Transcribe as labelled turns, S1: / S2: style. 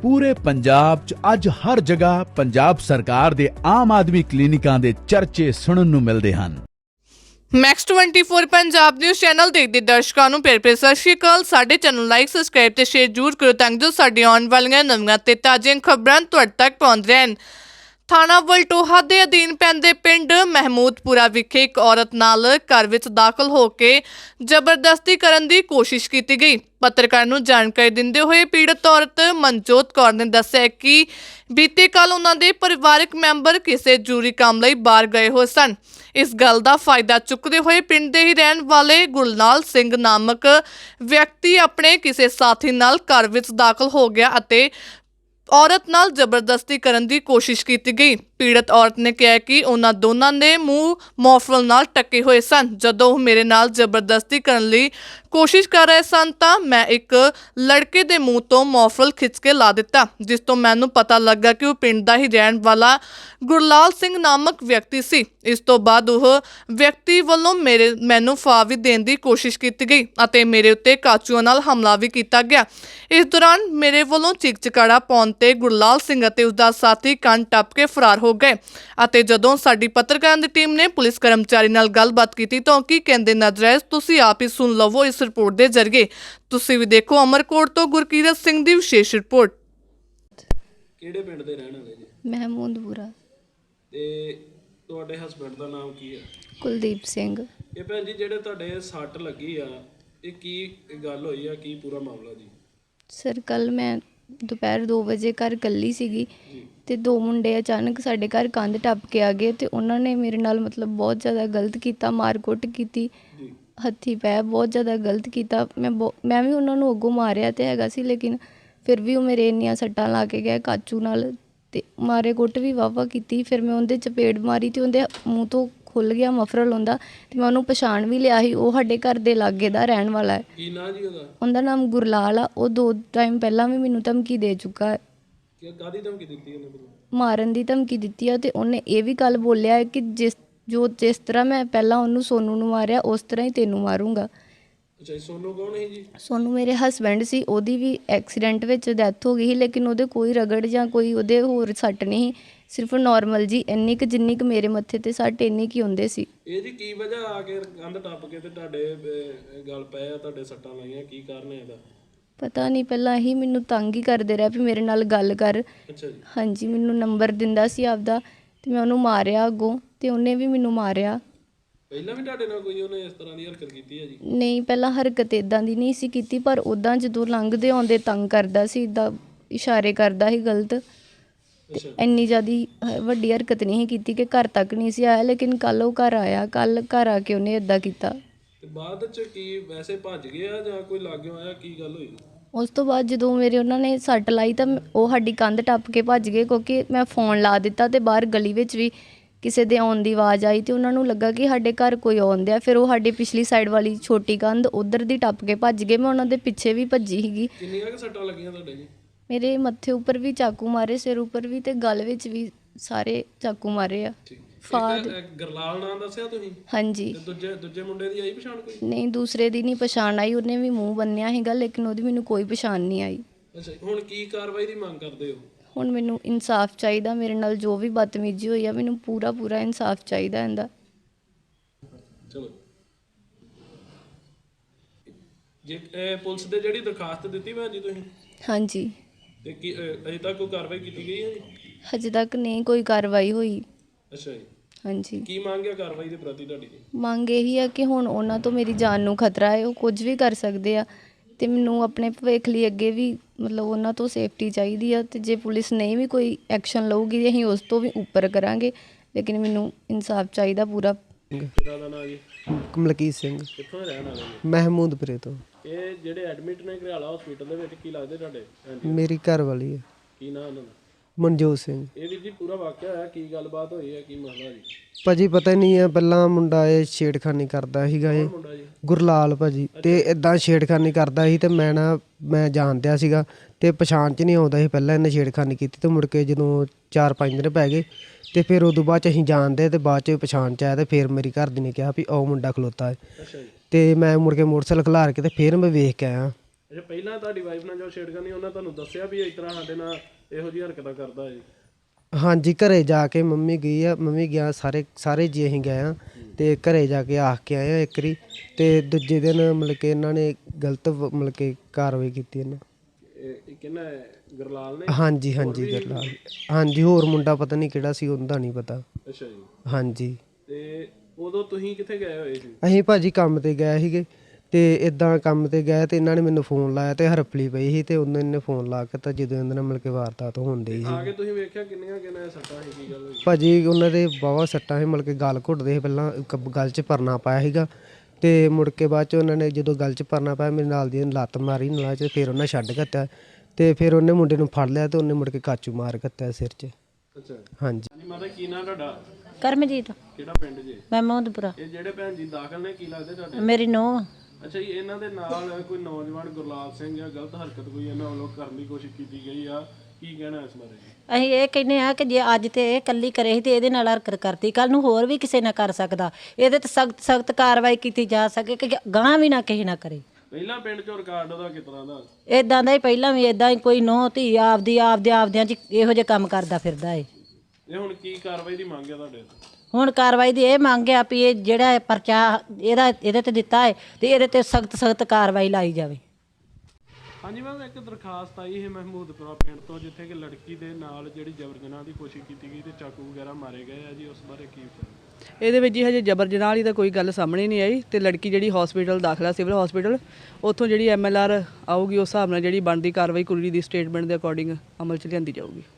S1: ਪੂਰੇ ਪੰਜਾਬ 'ਚ ਅੱਜ ਹਰ ਜਗ੍ਹਾ ਪੰਜਾਬ ਸਰਕਾਰ ਦੇ ਆਮ ਆਦਮੀ ਕਲੀਨਿਕਾਂ ਦੇ ਚਰਚੇ ਸੁਣਨ ਨੂੰ ਮਿਲਦੇ ਹਨ।
S2: ਮੈਕਸ 24 ਪੰਜਾਬ ਨਿਊਜ਼ ਚੈਨਲ ਦੇਖਦੇ ਦਰਸ਼ਕਾਂ ਨੂੰ ਪਿਆਰ ਭਰੀ ਸਤਿ ਸ਼੍ਰੀ ਅਕਾਲ। ਸਾਡੇ ਚੈਨਲ ਲਾਈਕ ਸਬਸਕ੍ਰਾਈਬ ਤੇ ਸ਼ੇਅਰ ਜ਼ਰੂਰ ਕਰੋ ਤਾਂ ਜੋ ਸਾਡੀ ਆਉਣ ਵਾਲੀਆਂ ਨਵੀਆਂ ਤੇ ਤਾਜ਼ੀਆਂ ਖਬਰਾਂ ਤੁਹਾਡੇ ਤੱਕ ਪਹੁੰਚ ਰਹਿਣ। ਥਾਣਾ ਵਲਟੋਹਾ ਦੇ ਅਧੀਨ ਪੈਂਦੇ ਪਿੰਡ ਮਹਿਮੂਦਪੁਰਾ ਵਿਖੇ ਇੱਕ ਔਰਤ ਨਾਲ ਘਰ ਵਿੱਚ ਦਾਖਲ ਹੋ ਕੇ ਜ਼ਬਰਦਸਤੀ ਕਰਨ ਦੀ ਕੋਸ਼ਿਸ਼ ਕੀਤੀ ਗਈ। ਪੱਤਰਕਾਰ ਨੂੰ ਜਾਣਕਾਰੀ ਦਿੰਦੇ ਹੋਏ ਪੀੜਤ ਔਰਤ ਮਨਜੋਤ ਕੌਰ ਨੇ ਦੱਸਿਆ ਕਿ ਬੀਤੇ ਕੱਲ ਉਹਨਾਂ ਦੇ ਪਰਿਵਾਰਕ ਮੈਂਬਰ ਕਿਸੇ ਜ਼ਰੂਰੀ ਕੰਮ ਲਈ ਬਾਹਰ ਗਏ ਹੋਏ ਸਨ। ਇਸ ਗੱਲ ਦਾ ਫਾਇਦਾ ਚੁੱਕਦੇ ਹੋਏ ਪਿੰਡ ਦੇ ਹੀ ਰਹਿਣ ਵਾਲੇ ਗੁਰਨਾਲ ਸਿੰਘ ਨਾਮਕ ਵਿਅਕਤੀ ਆਪਣੇ ਕਿਸੇ ਸਾਥੀ ਨਾਲ ਘਰ ਵਿੱਚ ਦਾਖਲ ਹੋ ਗਿਆ ਅਤੇ ਔਰਤ ਨਾਲ ਜ਼ਬਰਦਸਤੀ ਕਰਨ ਦੀ ਕੋਸ਼ਿਸ਼ ਕੀਤੀ ਗਈ। ਪੀੜਤ ਔਰਤ ਨੇ ਕਿਹਾ ਕਿ ਉਹਨਾਂ ਦੋਨਾਂ ਦੇ ਮੂੰਹ ਮੌਫਰਲ ਨਾਲ ਟੱਕੇ ਹੋਏ ਸਨ। ਜਦੋਂ ਉਹ ਮੇਰੇ ਨਾਲ ਜ਼ਬਰਦਸਤੀ ਕਰਨ ਲਈ ਕੋਸ਼ਿਸ਼ ਕਰ ਰਹੇ ਸਨ ਤਾਂ ਮੈਂ ਇੱਕ ਲੜਕੇ ਦੇ ਮੂੰਹ ਤੋਂ ਮੌਫਰਲ ਖਿੱਚ ਕੇ ਲਾ ਦਿੱਤਾ, ਜਿਸ ਤੋਂ ਮੈਨੂੰ ਪਤਾ ਲੱਗਾ ਕਿ ਉਹ ਪਿੰਡ ਦਾ ਹੀ ਰਹਿਣ ਵਾਲਾ ਗੁਰਲਾਲ ਸਿੰਘ ਨਾਮਕ ਵਿਅਕਤੀ ਸੀ। ਇਸ ਤੋਂ ਬਾਅਦ ਉਹ ਵਿਅਕਤੀ ਵੱਲੋਂ ਮੈਨੂੰ ਫਾਹਾ ਵੀ ਦੇਣ ਦੀ ਕੋਸ਼ਿਸ਼ ਕੀਤੀ ਗਈ ਅਤੇ ਮੇਰੇ ਉੱਤੇ ਕਾਚੂਆਂ ਨਾਲ ਹਮਲਾ ਵੀ ਕੀਤਾ ਗਿਆ। ਇਸ ਦੌਰਾਨ ਮੇਰੇ ਵੱਲੋਂ ਚੀਕ ਚਿਹਾੜਾ ਪਾਉਣ ਤੇ ਗੁਰਲਾਲ ਸਿੰਘ ਅਤੇ ਉਸਦਾ ਸਾਥੀ ਕੰਨ ਟੱਪ ਕੇ ਫਰਾਰ ਹੋ ਗਏ ਅਤੇ ਜਦੋਂ ਸਾਡੀ ਪੱਤਰਕਾਰਾਂ ਦੀ ਟੀਮ ਨੇ ਪੁਲਿਸ ਕਰਮਚਾਰੀ ਨਾਲ ਗੱਲਬਾਤ ਕੀਤੀ ਤਾਂ ਕੀ ਕਹਿੰਦੇ ਨਜ਼ਰ ਤੁਸੀਂ ਆਪ ਹੀ ਸੁਣ ਲਵੋ ਇਸ ਰਿਪੋਰਟ ਦੇ ਜ਼ਰੀਏ। ਤੁਸੀਂ ਵੀ ਦੇਖੋ ਅਮਰਕੋਟ ਤੋਂ ਗੁਰਕੀਰਤ ਸਿੰਘ ਦੀ ਵਿਸ਼ੇਸ਼ ਰਿਪੋਰਟ।
S3: ਕਿਹੜੇ ਪਿੰਡ ਦੇ ਰਹਿਣ ਵਾਲੇ ਜੀ?
S4: ਮਹਿਮੂਦਪੁਰਾ।
S3: ਤੇ ਤੁਹਾਡੇ ਹਸਬੰਡ ਦਾ ਨਾਮ ਕੀ ਹੈ?
S4: ਕੁਲਦੀਪ ਸਿੰਘ।
S3: ਇਹ ਭੈਣ ਜੀ ਜਿਹੜੇ ਤੁਹਾਡੇ ਸੱਟ ਲੱਗੀ ਆ, ਇਹ ਕੀ ਗੱਲ ਹੋਈ ਆ, ਕੀ ਪੂਰਾ ਮਾਮਲਾ ਜੀ?
S4: ਸਰ ਕੱਲ ਮੈਂ ਦੁਪਹਿਰ 2 ਵਜੇ ਘਰ ਇਕੱਲੀ ਸੀਗੀ ਤੇ 2 ਮੁੰਡੇ ਅਚਾਨਕ ਸਾਡੇ ਘਰ ਕੰਧ ਟੱਪ ਕੇ ਆ ਗਏ ਤੇ ਉਹਨਾਂ ਨੇ ਮੇਰੇ ਨਾਲ ਬਹੁਤ ਜ਼ਿਆਦਾ ਗਲਤ ਕੀਤਾ, ਮਾਰ ਕੁੱਟ ਕੀਤੀ, ਹੱਥੀ ਪੈ ਬਹੁਤ ਜ਼ਿਆਦਾ ਗਲਤ ਕੀਤਾ। ਮੈਂ ਵੀ ਉਹਨਾਂ ਨੂੰ ਅੱਗੋਂ ਮਾਰਿਆ ਤੇ ਹੈਗਾ ਸੀ, ਲੇਕਿਨ ਫਿਰ ਵੀ ਉਹ ਮੇਰੇ ਇੰਨੀਆਂ ਸੱਟਾਂ ਲਾ ਕੇ ਗਏ ਕਾਚੂ ਨਾਲ ਤੇ ਮਾਰੇ ਕੁੱਟ ਵੀ ਵਾਹਵਾ ਕੀਤੀ। ਫਿਰ ਮੈਂ ਉਹਦੇ ਚਪੇੜ ਮਾਰੀ ਤੇ ਉਹਦੇ ਮੂੰਹ ਤੋਂ ਖੁੱਲ ਗਿਆ ਮਫਰਲ ਹੁੰਦਾ ਤੇ ਮੈਂ ਉਹਨੂੰ ਪਛਾਣ ਵੀ ਲਿਆ ਸੀ। ਉਹ ਸਾਡੇ ਘਰ ਦੇ ਲਾਗੇ ਦਾ ਰਹਿਣ ਵਾਲਾ ਹੈ।
S3: ਕੀ ਨਾਂ ਜੀ ਉਹਦਾ? ਉਹਦਾ
S4: ਨਾਮ ਗੁਰਲਾਲ ਆ। ਉਹ 2 ਟਾਈਮ ਪਹਿਲਾਂ ਵੀ ਮੈਨੂੰ ਧਮਕੀ ਦੇ ਚੁੱਕਾ ਹੈ।
S3: ਕਾਹਦੀ ਧਮਕੀ ਦਿੱਤੀ ਉਹਨੇ?
S4: ਮਾਰਨ ਦੀ ਧਮਕੀ ਦਿੱਤੀ ਆ ਤੇ ਉਹਨੇ ਇਹ ਵੀ ਗੱਲ ਬੋਲਿਆ ਕਿ ਜਿਸ ਤਰ੍ਹਾਂ ਮੈਂ ਪਹਿਲਾਂ ਉਹਨੂੰ ਸੋਨੂ ਨੂੰ ਮਾਰਿਆ ਉਸ ਤਰ੍ਹਾਂ ਹੀ ਤੈਨੂੰ ਮਾਰੂੰਗਾ।
S3: ਅੱਛਾ, ਸੋਨੂ ਕੌਣ ਹੈ ਜੀ?
S4: ਸੋਨੂ ਮੇਰੇ ਹਸਬੈਂਡ ਸੀ। ਉਹਦੀ ਵੀ ਐਕਸੀਡੈਂਟ ਵਿੱਚ ਡੈਥ ਹੋ ਗਈ ਸੀ, ਲੇਕਿਨ ਉਹਦੇ ਕੋਈ ਰਗੜ ਜਾਂ ਕੋਈ ਉਹਦੇ ਹੋਰ ਸੱਟ ਨਹੀਂ, ਸਿਰਫ ਨੋਰਮਲ ਜੀ ਇੰਨੀ ਕੁ ਜਿੰਨੀ ਕੁ ਮੇਰੇ ਮੱਥੇ ਤੇ ਸੱਟ ਇੰਨੀ ਕੁ ਹੁੰਦੇ ਸੀ।
S3: ਇਹ ਜੀ ਕੀ ਵਜ੍ਹਾ ਆ ਕੇ ਕੰਧ ਟੱਪ ਕੇ ਤੇ ਤੁਹਾਡੇ ਗਲ ਪਏ ਆ, ਤੁਹਾਡੇ ਸੱਟਾਂ ਲਾਈਆਂ, ਕੀ ਕਾਰਨ ਹੈ ਇਹਦਾ?
S4: ਪਤਾ ਨਹੀਂ, ਪਹਿਲਾਂ ਹੀ ਮੈਨੂੰ ਤੰਗ ਹੀ ਕਰਦੇ ਰਿਹਾ ਵੀ ਮੇਰੇ ਨਾਲ ਗੱਲ ਕਰ।
S3: ਅੱਛਾ ਜੀ।
S4: ਹਾਂਜੀ, ਮੈਨੂੰ ਨੰਬਰ ਦਿੰਦਾ ਸੀ ਆਪਦਾ ਤੇ ਮੈਂ ਉਹਨੂੰ ਮਾਰਿਆ ਅੱਗੋਂ ਤੇ ਉਹਨੇ ਵੀ ਮੈਨੂੰ ਮਾਰਿਆ।
S3: ਪਹਿਲਾਂ ਵੀ ਤੁਹਾਡੇ ਨਾਲ ਕੋਈ ਉਹਨੇ ਇਸ ਤਰ੍ਹਾਂ ਦੀ ਹਰਕਤ ਕੀਤੀ ਹੈ ਜੀ?
S4: ਨਹੀਂ, ਪਹਿਲਾਂ ਹਰਕਤ ਇੱਦਾਂ ਦੀ ਨਹੀਂ ਸੀ ਕੀਤੀ, ਪਰ ਉੱਦਾਂ ਜਦੋਂ ਲੰਘਦੇ ਆਉਂਦੇ ਤੰਗ ਕਰਦਾ ਸੀ, ਇੱਦਾਂ ਇਸ਼ਾਰੇ ਕਰਦਾ ਸੀ ਗਲਤ। ਇੰਨੀ ਜ਼ਿਆਦਾ ਵੱਡੀ ਹਰਕਤ ਨਹੀਂ ਸੀ ਕੀਤੀ ਕਿ ਘਰ ਤੱਕ ਨਹੀਂ ਸੀ ਆਇਆ, ਲੇਕਿਨ ਕੱਲ੍ਹ ਉਹ ਘਰ ਆਇਆ। ਕੱਲ੍ਹ ਘਰ ਆ ਕੇ ਉਹਨੇ ਇੱਦਾਂ ਕੀਤਾ।
S3: ਤੇ ਬਾਅਦ 'ਚ ਕੀ ਵੈਸੇ ਭੱਜ ਗਿਆ ਜਾਂ ਕੋਈ ਲਾਗਿਓ ਆਇਆ, ਕੀ ਗੱਲ ਹੋਈ?
S4: ਉਸ ਤੋਂ ਬਾਅਦ ਜਦੋਂ ਉਹਨਾਂ ਨੇ ਸੱਟ ਲਾਈ ਤਾਂ ਉਹ ਸਾਡੀ ਕੰਧ ਟੱਪ ਕੇ ਭੱਜ ਗਏ, ਕਿਉਂਕਿ ਮੈਂ ਫੋਨ ਲਾ ਦਿੱਤਾ ਤੇ ਬਾਹਰ ਗਲੀ ਵਿੱਚ ਵੀ ਕਿਸੇ ਦੇ ਆਉਣ ਦੀ ਆਵਾਜ਼ ਆਈ ਤੇ ਉਹਨਾਂ ਨੂੰ ਲੱਗਾ ਕਿ ਸਾਡੇ ਘਰ ਕੋਈ ਆਉਂਦਿਆ। ਫਿਰ ਉਹ ਸਾਡੀ ਪਿਛਲੀ ਸਾਈਡ ਵਾਲੀ ਛੋਟੀ ਕੰਧ ਉੱਧਰ ਦੀ ਟੱਪ ਕੇ ਭੱਜ ਗਏ। ਮੈਂ ਉਹਨਾਂ ਦੇ ਪਿੱਛੇ ਵੀ ਭੱਜੀ ਸੀਗੀ।
S3: ਕਿੰਨੀਆਂ ਕੁ ਸੱਟਾਂ ਲੱਗੀਆਂ ਤੁਹਾਡੇ ਜੀ?
S4: ਮੇਰੇ ਮੱਥੇ ਉੱਪਰ ਵੀ ਚਾਕੂ ਮਾਰੇ, ਸਿਰ ਉੱਪਰ ਵੀ ਤੇ ਗਲ ਵਿੱਚ ਵੀ ਸਾਰੇ ਚਾਕੂ ਮਾਰੇ ਆ।
S3: ਗੁਰਲਾਲ ਨਾਂ ਦੱਸਿਆ ਤੁਸੀਂ?
S4: ਹਾਂਜੀ।
S3: ਦੂਜੇ ਮੁੰਡੇ ਦੀ ਆਈ ਪਛਾਣ ਕੋਈ?
S4: ਨਹੀਂ, ਦੂਸਰੇ ਦੀ ਨਹੀਂ ਪਛਾਣ ਆਈ। ਉਹਨੇ ਵੀ ਮੂੰਹ ਬੰਨਿਆ ਸੀਗਾ, ਲੇਕਿਨ ਉਹਦੀ ਮੈਨੂੰ ਕੋਈ ਪਛਾਣ ਨਹੀਂ ਆਈ।
S3: ਅੱਛਾ, ਹੁਣ ਕੀ ਕਾਰਵਾਈ ਦੀ ਮੰਗ ਕਰਦੇ ਹੋ?
S4: ਹੁਣ ਮੈਨੂੰ ਇਨਸਾਫ ਚਾਹੀਦਾ। ਮੇਰੇ ਨਾਲ ਜੋ ਵੀ ਬਦਤਮੀਜ਼ੀ ਹੋਈ ਆ, ਮੈਨੂੰ ਪੂਰਾ ਇਨਸਾਫ ਚਾਹੀਦਾ ਇਹਦਾ।
S3: ਚਲੋ ਜੇ ਪੁਲਿਸ ਦੇ ਜਿਹੜੀ ਦਰਖਾਸਤ ਦਿੱਤੀ ਭੈਣ ਜੀ ਤੁਸੀਂ?
S4: ਹਾਂਜੀ।
S3: ਤੇ ਕੀ ਅਜੇ ਤੱਕ ਕੋਈ ਕਾਰਵਾਈ ਕੀਤੀ ਗਈ ਹੈ ਜੀ?
S4: ਹਜੇ ਤੱਕ ਨਹੀਂ ਕੋਈ ਕਾਰਵਾਈ ਹੋਈ।
S3: ਅੱਛਾ ਜੀ।
S4: ਹਾਂਜੀ।
S3: ਕੀ ਮੰਗ ਹੈ ਕਾਰਵਾਈ ਦੇ ਪ੍ਰਤੀ ਤੁਹਾਡੀ?
S4: ਮੰਗ ਇਹੀ ਆ ਕਿ ਹੁਣ ਉਹਨਾਂ ਤੋਂ ਮੇਰੀ ਜਾਨ ਨੂੰ ਖਤਰਾ ਹੈ, ਉਹ ਕੁਝ ਵੀ ਕਰ ਸਕਦੇ ਆ ਤੇ ਮੈਨੂੰ ਆਪਣੇ ਭਵਿੱਖ ਲਈ ਅੱਗੇ ਵੀ ਉਹਨਾਂ ਤੋਂ ਸੇਫਟੀ ਚਾਹੀਦੀ ਆ। ਤੇ ਜੇ ਪੁਲਿਸ ਨਹੀਂ ਵੀ ਕੋਈ ਐਕਸ਼ਨ ਲਊਗੀ ਅਸੀਂ ਉਸ ਤੋਂ ਵੀ ਉੱਪਰ ਕਰਾਂਗੇ, ਲੇਕਿਨ ਮੈਨੂੰ ਇਨਸਾਫ ਚਾਹੀਦਾ ਪੂਰਾ।
S3: ਪਿਤਾ ਦਾ ਨਾਮ ਜੀ?
S5: ਮਲਕੀਤ ਸਿੰਘ।
S3: ਕਿੱਥੋਂ ਦੇ ਰਹਿਣ ਵਾਲੇ ਜੀ?
S5: ਮਹਿਮੂਦਪੁਰੇ ਤੋਂ।
S3: ਇਹ ਜਿਹੜੇ ਐਡਮਿਟ ਨੇ ਘਰਿਆਲਾ ਹਸਪੀਟਲ ਦੇ ਵਿੱਚ, ਕੀ ਲੱਗਦੇ ਤੁਹਾਡੇ?
S5: ਮੇਰੀ ਘਰ ਵਾਲੀ ਹੈ।
S3: ਕੀ ਨਾਮ ਉਹਨਾਂ ਦਾ?
S5: ਮਨਜੋਤ ਸਿੰਘ।
S3: ਇਹ ਵੀਰ ਜੀ ਪੂਰਾ ਵਾਕਿਆ ਹੋਇਆ, ਕੀ ਗੱਲਬਾਤ ਹੋਈ ਹੈ, ਕੀ ਮਸਲਾ ਜੀ?
S5: ਭਾਜੀ ਪਤਾ ਨਹੀਂ ਹੈ, ਪਹਿਲਾਂ ਮੁੰਡਾ ਇਹ ਛੇੜਖਾਨੀ ਕਰਦਾ ਸੀਗਾ, ਇਹ
S3: ਮੁੰਡਾ ਜੀ
S5: ਗੁਰਲਾਲ ਭਾਜੀ, ਤੇ ਇਦਾਂ ਛੇੜਖਾਨੀ ਕਰਦਾ ਸੀ ਤੇ ਮੈਂ ਜਾਣਦਿਆ ਸੀਗਾ ਤੇ ਪਛਾਣ 'ਚ ਨਹੀਂ ਆਉਂਦਾ ਸੀ। ਪਹਿਲਾਂ ਇਹਨੇ ਛੇੜਖਾਨੀ ਕੀਤੀ ਤੇ ਮੁੜ ਕੇ ਜਦੋਂ 4-5 ਦਿਨ ਪੈ ਗਏ ਤੇ ਫਿਰ ਉਦੋਂ ਬਾਅਦ 'ਚ ਅਸੀਂ ਜਾਣਦੇ ਤੇ ਬਾਅਦ 'ਚ ਪਛਾਣ 'ਚ ਆਇਆ ਤੇ ਫਿਰ ਮੇਰੀ ਘਰਦੀ ਨੇ ਕਿਹਾ ਵੀ ਉਹ ਮੁੰਡਾ ਖਲੋਤਾ ਹੈ।
S3: ਅੱਛਾ ਜੀ।
S5: ਤੇ ਮੈਂ ਮੁੜ ਕੇ ਮੋਟਰਸਾਈਕਲ ਖਿਲਾਰ ਕੇ ਤੇ ਫਿਰ ਮੈਂ ਵੇਖ ਕੇ ਆਇਆ
S3: ਅੱਛਾ, ਪਹਿਲਾਂ ਤੁਹਾਡੀ ਵਾਈਫ ਨਾਲ ਜੋ ਛੇੜਖਾਨੀ ਉਹਨਾਂ ਤੁਹਾਨੂੰ ਦੱਸਿਆ ਵੀ ਇਸ ਤਰ੍ਹਾਂ ਸਾਡੇ ਨਾਲ ਇਹੋ ਜਿਹੀ ਹਰਕਤਾਂ ਕਰਦਾ ਹੈ?
S5: ਹਾਂਜੀ, ਘਰੇ ਜਾ ਕੇ ਮੰਮੀ ਗਿਆ, ਸਾਰੇ ਜੀ ਅਸੀਂ ਗਏ ਆ ਤੇ ਘਰੇ ਜਾ ਕੇ ਆਖ ਕੇ ਆਏ ਆ ਇੱਕ ਵਾਰੀ, ਤੇ ਦੂਜੇ ਦਿਨ ਮਤਲਬ ਕਿ ਇਹਨਾਂ ਨੇ ਗਲਤ ਮਤਲਬ ਕਿ ਕਾਰਵਾਈ ਕੀਤੀ ਇਹਨਾਂ।
S3: ਇਹ ਕਿਹਨਾਂ ਹੈ? ਗੁਰਲਾਲ ਨੇ?
S5: ਹਾਂਜੀ ਗਰਲਾਲ। ਹਾਂਜੀ, ਹੋਰ ਮੁੰਡਾ ਪਤਾ ਨਹੀਂ ਕਿਹੜਾ ਸੀ, ਉਹਦਾ ਨਹੀਂ ਪਤਾ।
S3: ਅੱਛਾ ਜੀ।
S5: ਹਾਂਜੀ।
S3: ਤੇ ਉਦੋਂ ਤੁਸੀਂ ਕਿੱਥੇ ਗਏ ਹੋਏ ਸੀ?
S5: ਅਸੀਂ ਭਾਜੀ ਕੰਮ ਤੇ ਗਏ ਸੀਗੇ, ਤੇ ਇਦਾਂ ਕੰਮ ਤੇ ਗਏ ਤੇ ਇਹਨਾਂ ਨੇ ਮੈਨੂੰ ਫੋਨ ਲਾਇਆ ਤੇ ਹਰਪਲੀ ਪਈ ਸੀ, ਤੇ ਉਹਨਾਂ ਨੇ ਫੋਨ ਲਾ ਕੇ ਤਾਂ ਜਦੋਂ ਇਹਨਾਂ ਨਾਲ ਮਿਲ ਕੇ ਵਾਰਦਾਤ ਹੁੰਦੀ ਸੀ।
S3: ਆ ਕੇ ਤੁਸੀਂ ਵੇਖਿਆ ਕਿੰਨੀਆਂ ਸੱਟਾਂ ਸੀ? ਕੀ ਗੱਲ ਹੋਈ?
S5: ਭਾਜੀ ਉਹਨਾਂ ਦੇ ਵਾਹਵਾ ਸੱਟਾਂ ਸੀ, ਮਤਲਬ ਕਿ ਗਲ ਘੁੱਟਦੇ ਸੀ, ਪਹਿਲਾਂ ਗਲ 'ਚ ਪਰਨਾ ਪਾਇਆ ਸੀਗਾ, ਤੇ ਮੁੜ ਕੇ ਬਾਅਦ 'ਚ ਉਹਨਾਂ ਨੇ ਜਦੋਂ ਗਲ 'ਚ ਪਰਨਾ ਪਾਇਆ ਮੇਰੇ ਨਾਲ ਦੀ ਲੱਤ ਮਾਰੀ ਨਾਲ 'ਚ, ਫਿਰ ਉਹਨਾਂ ਛੱਡ ਦਿੱਤਾ, ਤੇ ਫਿਰ ਉਹਨੇ ਮੁੰਡੇ ਨੂੰ ਫੜ ਲਿਆ ਤੇ ਉਹਨੇ ਮੁੜ ਕੇ ਕਾਚੂ ਮਾਰ ਦਿੱਤਾ ਸਿਰ 'ਚ।
S3: ਅੱਛਾ
S5: ਹਾਂਜੀ।
S3: ਹਾਂਜੀ ਮਾਤਾ, ਕੀ ਨਾਂ ਤੁਹਾਡਾ?
S6: ਕਰਮਜੀਤ।
S3: ਕਿਹੜਾ ਪਿੰਡ ਜੀ?
S6: ਮਹਿਮੂਦਪੁਰਾ।
S3: ਇਹ ਜਿਹੜੇ ਭੈਣ ਜੀ ਦਾਖਲ ਨੇ, ਕੀ ਲੱਗਦੇ ਤੁਹਾਡੇ?
S6: ਮੇਰੀ ਨੂੰਹ।
S3: ਅੱਛਾ ਜੀ, ਇਹਨਾਂ ਦੇ ਨਾਲ ਕੋਈ ਨੌਜਵਾਨ ਗੁਰਲਾਲ ਸਿੰਘ ਜਾਂ ਗਲਤ ਹਰਕਤ ਕੋਈ ਇਹਨਾਂ ਵੱਲੋਂ ਕਰਨ ਦੀ ਕੋਸ਼ਿਸ਼ ਕੀਤੀ ਗਈ ਆ, ਕੀ ਕਹਿਣਾ ਇਸ ਬਾਰੇ ਜੀ?
S6: ਅਸੀਂ ਇਹ ਕਹਿੰਦੇ ਆ ਕਿ ਜੇ ਅੱਜ ਤੇ ਇਹ ਇਕੱਲੀ ਕਰੇ ਸੀ ਤੇ ਇਹਦੇ ਨਾਲ ਹਰਕਤ ਕਰਤੀ, ਕੱਲ ਨੂੰ ਹੋਰ ਵੀ ਕਿਸੇ ਨਾਲ ਕਰ ਸਕਦਾ। ਇਹਦੇ ਤੇ ਸਖਤ ਕਾਰਵਾਈ ਕੀਤੀ ਜਾ ਸਕੇ ਕਿ ਗਾਂ ਵੀ ਨਾ ਕਿਸੇ ਨਾ ਕਰੇ।
S3: ਪਹਿਲਾਂ ਪਿੰਡ ਚੋਂ ਰਿਕਾਰਡ ਉਹਦਾ ਕਿਸ ਤਰ੍ਹਾਂ ਦਾ?
S6: ਇਦਾਂ ਦਾ ਹੀ ਪਹਿਲਾਂ ਵੀ ਇਦਾਂ ਹੀ ਕੋਈ ਨੂੰਹ ਧੀ ਆਪਦਿਆਂ 'ਚ ਇਹੋ ਜਿਹੇ ਕੰਮ ਕਰਦਾ ਫਿਰਦਾ ਏ।
S3: ਇਹ ਹੁਣ ਕੀ ਕਾਰਵਾਈ ਦੀ ਮੰਗ ਹੈ ਤੁਹਾਡੇ?
S6: ਹੁਣ ਕਾਰਵਾਈ ਦੀ ਇਹ ਮੰਗ ਆ ਵੀ ਇਹ ਜਿਹੜਾ ਪਰਚਾ ਇਹਦੇ ਤੇ ਦਿੱਤਾ ਹੈ ਤੇ ਇਹਦੇ ਤੇ ਸਖਤ ਕਾਰਵਾਈ ਲਾਈ ਜਾਵੇ।
S3: ਹਾਂਜੀ ਮੈਮ, ਇੱਕ ਦਰਖਾਸਤ ਆਈ ਹੈ ਮਹਿਮੂਦਪੁਰਾ ਪਿੰਡ ਤੋਂ, ਜਿੱਥੇ ਕਿ ਲੜਕੀ ਦੇ ਨਾਲ ਜਿਹੜੀ ਜਬਰ ਜਨਾਹ ਦੀ ਕੋਸ਼ਿਸ਼ ਕੀਤੀ ਗਈ ਤੇ ਚਾਕੂ ਵਗੈਰਾ ਮਾਰੇ ਗਏ ਆ ਜੀ, ਉਸ ਬਾਰੇ ਕੀ ਵਿਚਾਰ?
S7: ਇਹਦੇ ਵਿੱਚ ਜੀ ਹਜੇ ਜਬਰ ਜਨਾਹ ਵਾਲੀ ਤਾਂ ਕੋਈ ਗੱਲ ਸਾਹਮਣੇ ਨਹੀਂ ਆਈ, ਤੇ ਲੜਕੀ ਜਿਹੜੀ ਹਸਪੀਟਲ ਦਾਖਲਾ ਸਿਵਲ ਹਸਪੀਟਲ, ਉੱਥੋਂ ਜਿਹੜੀ MLR ਆਊਗੀ ਉਸ ਹਿਸਾਬ ਨਾਲ ਜਿਹੜੀ ਬਣਦੀ ਕਾਰਵਾਈ ਕੁੜੀ ਦੀ ਸਟੇਟਮੈਂਟ ਦੇ ਅਕੋਰਡਿੰਗ ਅਮਲ 'ਚ ਲਿਆਂਦੀ ਜਾਊਗੀ।